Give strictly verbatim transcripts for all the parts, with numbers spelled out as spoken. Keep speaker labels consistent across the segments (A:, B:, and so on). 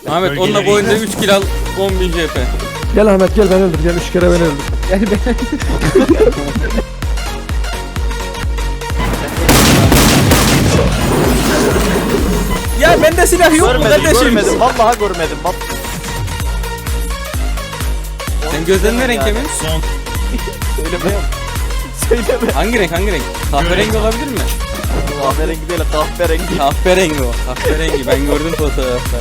A: Ahmet onunla bu oyunda üç kill al on bin C P.
B: Gel Ahmet gel ben öldür. Gel üç kere ben öldür.
C: Gel ben.
A: Ya bende silah yok mu
D: Görmedim,
A: kardeşim?
D: görmedim. Vallahi görmedim. Bak.
A: Sen gözlerin ne renk Emin?
E: Son
D: Söyleme. Söyleme.
A: Hangi renk hangi renk? Kahverengi olabilir mi?
D: Kahverengi değil, kahverengi.
A: Kahverengi o. Kahverengi ben gördüm fotoğrafta.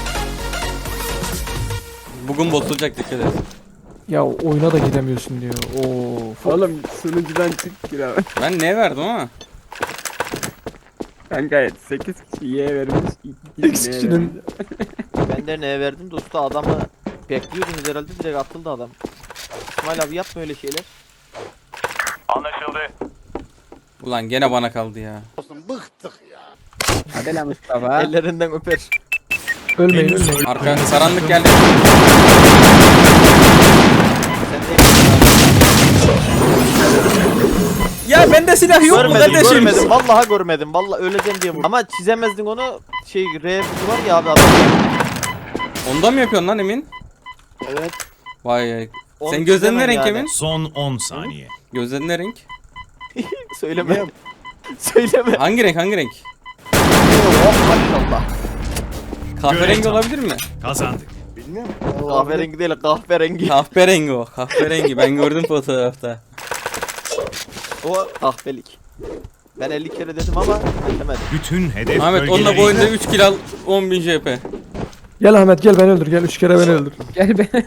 A: Bugün bozulacak dikkat et.
B: Ya oyuna da gidemiyorsun diyor. Oo.
C: Oğlum sunucudan çık gir abi.
A: Ben ne verdim ama?
C: Kanka sekiz kişi Y'ye vermiş. iki
B: X
C: kişi Y'ye
B: kişinin
D: Ben de neye verdim dostu, adamı bekliyordunuz herhalde, direkt atıldı adam. İsmail abi yapma öyle şeyler.
A: Ulan gene bana kaldı ya.
C: Hadi lan Mustafa.
D: Ellerinden öper.
B: ölmeyin
E: Henüz
B: ölmeyin.
A: Arka karanlık geldi.
D: Sen de
A: Ya bende silah yok mu
D: görmedim,
A: kardeşim?
D: görmedim. Vallahi görmedim. Vallahi öleceğim diye vurdum. Ama çizemezdin onu. Şey R var ya abi adam.
A: Onda mı yapıyorsun lan Emin?
D: Evet.
A: Vay.
D: Onu
A: Sen gözlerin ne
D: çizemem
A: renk
D: yani.
A: Emin?
E: son on saniye.
A: Gözlerin ne renk?
D: Söyleme. Söyleme.
A: Hangi renk hangi renk?
D: Oh maşallah.
A: Kahverengi
E: Görev
A: olabilir mi?
E: Kazandık.
D: Kahverengi değil, kahverengi.
A: Kahverengi o. Kahverengi ben gördüm fotoğrafta.
D: O kahvelik. Ben elli kere dedim ama demedim.
E: Bütün hedef
A: Ahmet onunla bu oyunda üç kill al on bin C P.
B: Gel Ahmet gel ben öldür. Gel üç kere ben öldür.
C: Gel ben.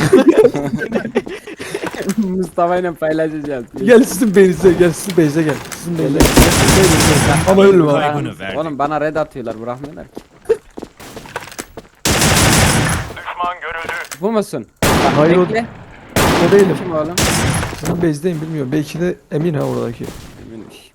C: Mustafa ile paylaşacağız.
B: Gel sizin beyinize gel sizin beyinize gel. Sizin beyinize gel. Sizin beyinize gel. Ama ölme abi.
E: Kaybını verdik.
C: Oğlum bana red atıyorlar, bırakmıyorlar ki. Bu musun? Bak,
B: Hayır, o-
C: bekle.
B: O değilim.
C: Kim oğlum?
B: Sizin beyizdeyim bilmiyorum. Belki de Emin ha oradaki.
C: Eminmiş.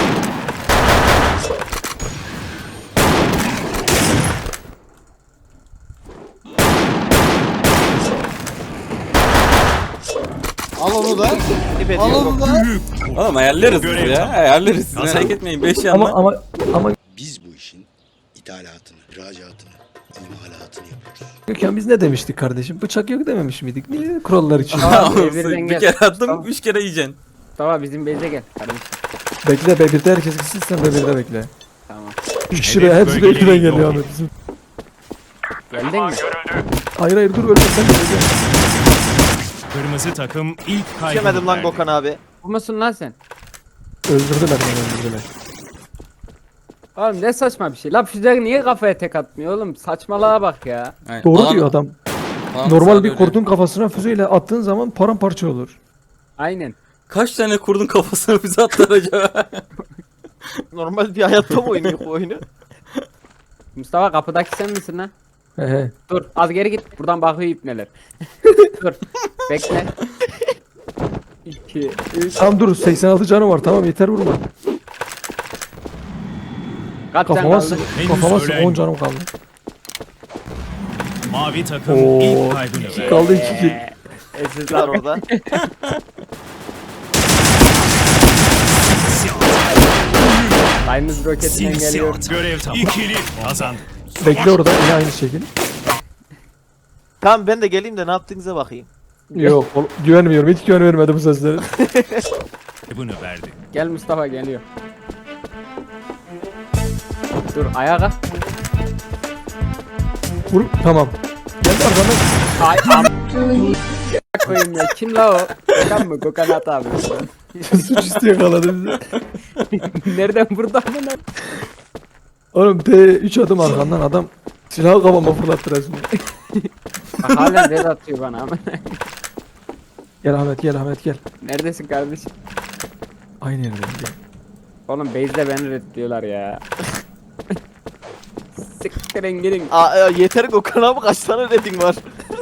F: Al onu da.
D: Dip ediyor.
F: Al onu da.
A: Oğlum ayarlarız biz
E: Görev
A: ya.
E: tamam.
A: Ayarlarız. Siz
E: Kazan.
A: merak etmeyin. beş
B: Ama
A: yanma.
B: ama ama
G: Biz bu işin ithalatını, ihracatını, imalatını yapıyoruz.
B: Gökhan biz ne demiştik kardeşim? Bıçak yok dememiş miydik? Niye kurallar için?
C: Aa,
A: Olsun,
C: birden
A: bir
C: gel.
A: kere attım,
C: Tamam.
A: üç kere yiyeceksin.
C: Mustafa bizim base'e gel kardeşim.
B: Bekle be birde herkes gitsin sen de birde bekle.
C: Tamam.
B: Üç kişi
E: Hedef
B: be hepsi
E: bölgeleri
B: bekle geliyor
E: yok.
B: Ahmet bizim.
C: Geldin mi?
B: Hayır hayır dur ölme sen de gel.
E: Kırmızı takım ilk kaybını
D: Geçemedim lan
E: verdi.
D: Gökhan abi.
C: Bu musun lan sen?
B: Öldürdüler beni öldürdüler.
C: Oğlum ne saçma bir şey. La füze niye kafaya tek atmıyor oğlum? Saçmalığa bak ya.
A: Aynen.
B: Doğru
A: Alan-
B: diyor adam.
A: alan
B: Normal
A: sağda
B: bir
A: öyle.
B: kurdun kafasına füzeyle attığın zaman paramparça olur.
C: Aynen.
A: Kaç tane kurdun kafasına bize attılar acaba?
D: Normal bir hayatta mı oynuyor bu oyunu?
C: Mustafa kapıdaki sen misin lan?
B: He he.
C: Dur az geri git. Buradan bakıyor ipneler. Dur. Bekle. iki, üç.
B: Tamam dur seksen altı canı var tamam yeter vurma.
C: Kaç can
B: Kafama
C: kaldı?
B: sık.
E: Henüz
B: Kafama sık
E: ölen
B: on canım kaldı.
E: Mavi takım
B: Oo.
E: ilk kaybını verdi.
B: Kaldı iki kill.
C: Eee,
D: Var orada.
C: Aynız roketinden geliyor.
E: Simsiyah. Görev tamam. İkili kazandık.
B: Bekle orada yine aynı şekil.
D: Tamam ben de geleyim de ne yaptığınıza bakayım.
B: Yok ol- güvenmiyorum hiç güven vermedim bu seslere.
E: Kaybını verdi.
C: Gel Mustafa geliyor. Dur ayağa kalk.
B: Vur tamam. Geldi arkadan.
C: Ay am. Koyayım ya. Kim la o? Gökhan mı? Gökhan at abi.
B: Suç üstü yakaladı bizi.
C: Nereden burada mı lan?
B: Oğlum T üç adım arkandan adam silahı kafama fırlattı resmen.
C: Bak hala red atıyor bana ama.
B: Gel Ahmet gel Ahmet gel.
C: Neredesin kardeşim?
B: Aynı yerdeyim gel.
C: Oğlum base'de beni red diyorlar ya. Siktirin gidin.
D: Aa, e, yeter Gökhan abi, kaç tane redin var?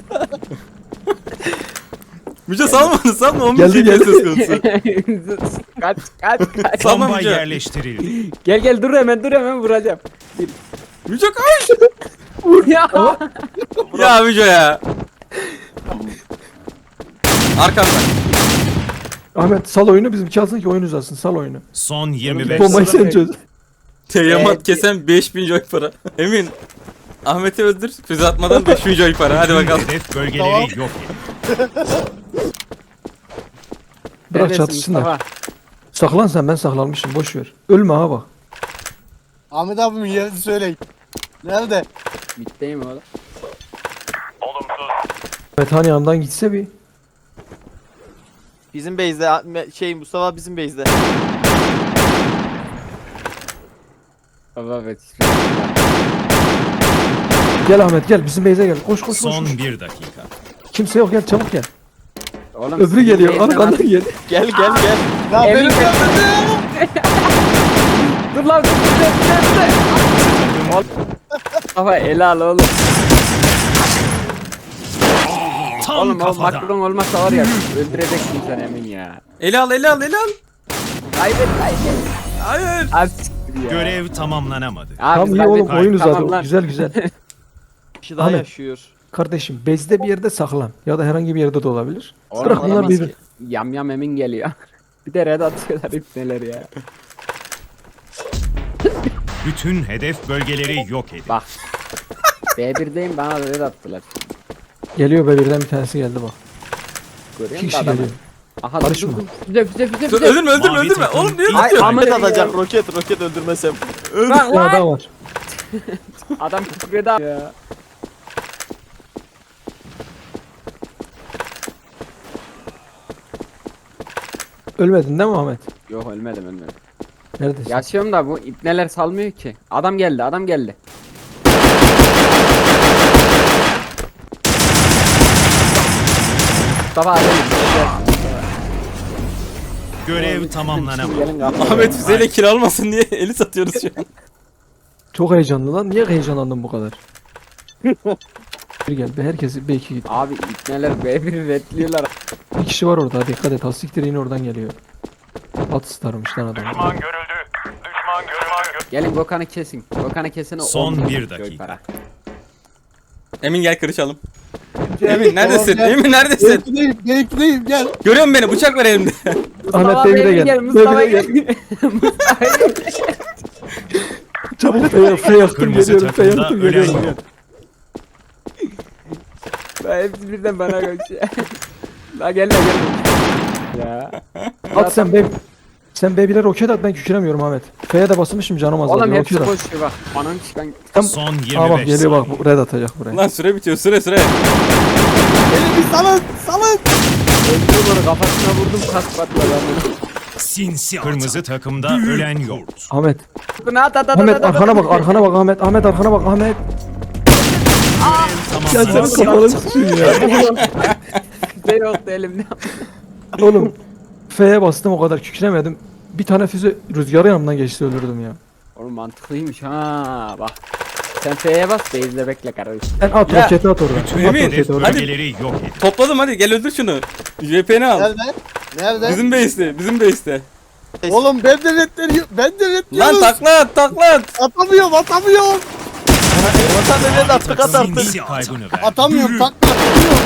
A: Müce salma onu salma. on bin
B: Geldi,
A: C P
B: geldi.
A: söz konusu.
C: kaç kaç kaç.
A: Tamam,
E: Bomba
A: Müce.
E: yerleştirildi.
C: Gel gel dur hemen dur hemen vuracağım.
A: Müce kaç.
C: Vur ya.
A: Ya Müce ya. Arkamda.
B: Ahmet sal oyunu bizimki alsın ki oyun uzasın sal oyunu.
E: Son yirmi beş
B: Bombayı
E: saniye.
B: sen çöz.
A: Teyamat
C: Evet.
A: kesen beş bin joy para. Emin. Ahmet'i öldür. Füze atmadan beş Müco'yu para. Hadi
E: Tüm
A: bakalım.
E: hedef bölgeleri yok edin.
B: Bırak
C: Neredesin
B: çatışsınlar.
C: Mustafa?
B: Saklan sen, ben saklanmışım, boş ver. Ölme ha bak.
F: Ahmet abimin yerini söyleyin. Nerede?
C: Bitteyim oğlum.
B: Evet hani yanımdan gitse bir.
D: Bizim base'de Me- şey Mustafa bizim base'de.
C: Baba evet.
B: Gel Ahmet gel, bizim base'e gel. Koş koş koş.
E: Son
B: koş.
E: bir dakika.
B: Kimse yok, gel çabuk gel.
C: Oğlum
B: Öbürü
C: sizin
B: geliyor,
C: base'den
B: arkandan
C: at-
B: gel.
D: Gel gel gel.
F: Ya
C: Emin
F: benim
C: gel.
F: yanımda.
C: Dur lan dur dur dur dur. Oğlum. Mustafa el al oğlum.
E: Tam
C: Oğlum o
E: kafadan.
C: Macron olmasa var ya öldüreceksin sen Emin ya.
A: Eli al eli al eli al.
C: Kaybet kaybet.
A: Hayır.
C: Az siktir ya.
E: Görev tamamlanamadı.
C: Abi
B: Tamam iyi
C: kaybettik,
B: oğlum, oyun uzadı.
C: tamam lan.
B: Güzel güzel.
D: Kişi daha
B: Ahmet.
D: yaşıyor.
B: Kardeşim base'de bir yerde saklan. Ya da herhangi bir yerde de olabilir.
C: Oğlum,
B: Bırak
C: adam
B: bunlar
C: nasıl-
B: bir.
C: Yam yam Emin geliyor. Bir de red atıyorlar ipneler ya.
E: Bütün hedef bölgeleri yok edin.
C: Bak. B bir'deyim bana red attılar.
B: Geliyor be, birden bir tanesi geldi bak.
C: Görüyor
B: İki
C: musun
B: kişi
C: adamı?
B: geliyor.
C: Aha
B: Karışma.
C: dur dur. Füze füze füze
A: Dur,
C: füze.
A: öldürme öldürme
E: Mavi
A: öldürme.
E: takım
A: Oğlum niye
E: ilk
C: Ay,
A: tutuyorsun?
C: ama-
D: Roket
C: Ahmet
D: atacak
C: ya.
D: roket roket öldürmesem.
C: Lan
B: Bir tane
C: lan.
B: daha var.
C: Adam kükredi abi ya.
B: Ölmedin değil mi Ahmet?
C: Yok ölmedim ölmedim.
B: Neredesin?
C: Yaşıyorum da bu ipneler salmıyor ki. Adam geldi adam geldi. Mustafa abi.
E: Görev tamamlanamadı.
C: Gelin kapı.
A: Ahmet füzeyle kill almasın diye eli satıyoruz şu an.
B: Çok heyecanlı lan. Niye heyecanlandın bu kadar? Bir gel be, herkesi belki git.
C: Abi ipneler B bir'i redliyorlar.
B: Bir kişi var orada, dikkat et. Hastiktir yine oradan geliyor. At starmış lan adam.
C: Gelin Gökhan'ı kesin. Gökhan'ı kesin. o
E: Son
C: on bin
E: bir
C: milyon
E: dakika.
C: para.
A: Emin gel kırışalım. Emin neredesin?
F: Tamam, gel.
A: Emin neredesin?
F: Gerekliyim, gerekliyim gel.
A: Görüyor musun beni? Bıçak var elimde.
B: Ahmet
C: Mustafa
B: Bey de
C: Bey
B: gel.
C: Mustafa
B: Bey de
C: gel.
B: gel.
C: Mustafa gel.
B: Çabuk F'ye F yaktım
E: Kırmızı
B: geliyorum. F
E: takımda
B: yaktım
E: ölen
B: geliyorum.
E: yok.
C: Lan hepsi birden bana koşuyor. La gelme gelme. Ya.
B: At sen be. Sen B bir'e roket at, ben kükremiyorum Ahmet. F'ye de basmışım, canım azalıyor.
C: Oğlum hepsi
B: roket at.
C: koşuyor bak. Anam çıkan.
B: Tam-
E: Son
B: Aa bak
E: yirmi beş
B: geliyor bak,
E: saniye.
B: bu red atacak buraya.
A: Lan süre bitiyor süre süre.
F: Beni bir salın, salın.
C: Öldürüm onu kafasına vurdum kas patladı.
E: Sinsi Kırmızı takımda ölen yok.
B: Ahmet.
C: Bunu at at at
B: Ahmet
C: at, at,
B: arkana
C: at.
B: bak, arkana bak Ahmet. Ahmet arkana bak Ahmet. Ya senin
E: Tamamlanamadı.
B: kafanı sıçayım ya.
C: Füze yoktu elimde.
B: Oğlum F'ye bastım, o kadar kükremedim. Bir tane füze rüzgarı yanımdan geçti, öldürdüm ya.
C: Oğlum mantıklıymış ha bak. Sen F'ye bas base'de bekle kardeşim.
B: Sen at
A: Ya,
B: roketi at oraya.
E: Tüm
B: At
A: Emin,
E: hedef
B: roketi oraya.
A: hadi.
E: bölgeleri yok edin.
A: Topladım hadi gel öldür şunu. J P'ni al.
F: Nerede? Nerede?
A: Bizim base'te bizim base'te.
F: Oğlum ben de reddediyorum. Ben de
A: Lan
F: reddediyorum.
A: takla at takla at.
F: Atamıyorum, atamıyorum.
D: Vatan evet attık at attık.
E: Sinsi kaybını verdi.
F: Atamıyorum, takla atamıyorum.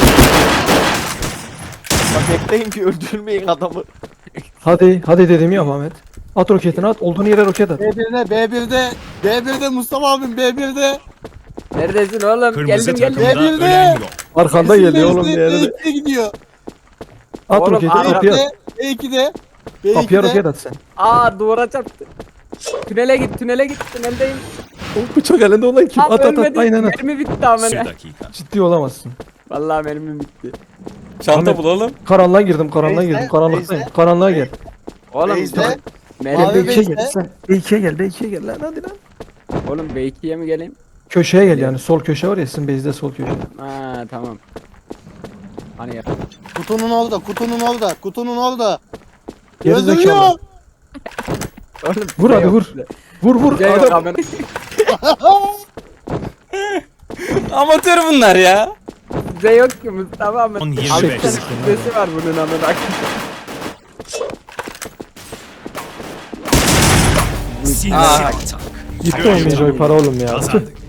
D: Bak bekleyin ki öldürmeyin adamı.
B: Hadi hadi dedim ya Ahmet. At roketini at, olduğun yere roket at.
F: B bir'de, B bir'de, B bir'de Mustafa abim B bir'de.
C: Neredesin oğlum?
E: Kırmızı
C: geldim geldim.
E: takımda
F: Geldim.
E: ölen yok.
B: Arkanda geliyor oğlum bir
F: B
B: yerde.
F: ikiye gidiyor.
B: At
C: Oğlum,
B: roketi,
C: Arap
B: kapıya at.
F: B ikide, B
B: Kapıya roket
F: ikide.
B: at sen.
C: Aa duvara çarptı. Tünele git tünele git tüneldeyim.
B: O bıçak elinde olan kim?
C: Abi
B: At at at,
C: ölmedim.
B: aynen at.
C: Mermi bitti ama
E: Bir
C: ne?
E: dakika.
B: Ciddi olamazsın.
C: Vallahi mermi bitti.
A: Çanta
B: Ahmet.
A: bul oğlum.
B: Karanlığa girdim, karanlığa
F: Neyse,
B: girdim. Karanlıktayım.
F: neyse.
B: Karanlığa gel.
C: Oğlum
F: Base'de.
C: mermi
F: Abi
B: Gel B ikiye
F: Beyze.
B: gel sen. B ikiye gel, B ikiye gel lan hadi lan.
C: Oğlum B ikiye mi geleyim?
B: Köşeye gel yani, sol köşe var ya, sizin base'de sol köşe.
C: Ha tamam. Hani ya.
F: Kutunun orada, kutunun orada, kutunun orada.
B: Geri
F: Öldürüyor.
B: zekalı.
C: Oğlum
B: Vur
C: füze
B: hadi
C: yok.
B: vur. Vur vur.
C: Füze yok
B: Adam.
C: amına.
A: Amatör bunlar ya.
C: Füze yok ki Mustafa ama.
E: On yirmi
C: Altı
E: beş
C: tane
E: saniye.
C: füzesi var bunun amına.
E: Sinsi
A: Aa.
E: atak.
B: Gitti o Mejoy para oğlum ya.
E: Kazandık.